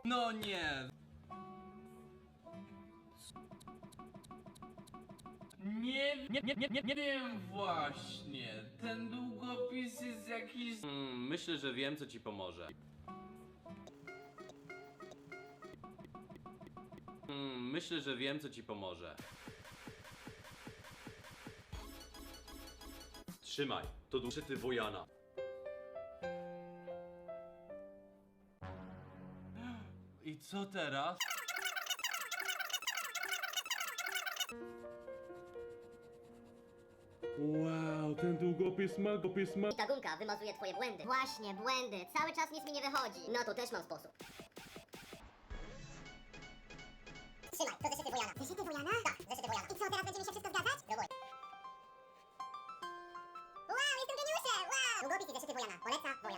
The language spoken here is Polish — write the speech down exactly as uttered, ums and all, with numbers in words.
No nie. Nie, nie, nie, nie, nie, nie wiem właśnie. Ten długopis jest jakiś... Hmm, myślę, że wiem, co ci pomoże. Hmm, myślę, że wiem, co ci pomoże. Trzymaj, to duszyty Wojana. I co teraz? Wow, ten długopis ma, długopis ma. I ta gumka wymazuje twoje błędy. Właśnie, błędy. Cały czas nic mi nie wychodzi. No to też mam sposób. Trzymaj, to zeszyty Wojana. Zeszyty Wojana? Tak, zeszyty Wojana. I co, teraz będzie mi się wszystko zgadzać? Próbuj. Wow, jestem geniuszem! Wow! Długopis i zeszyty Wojana. Poleca Wojana.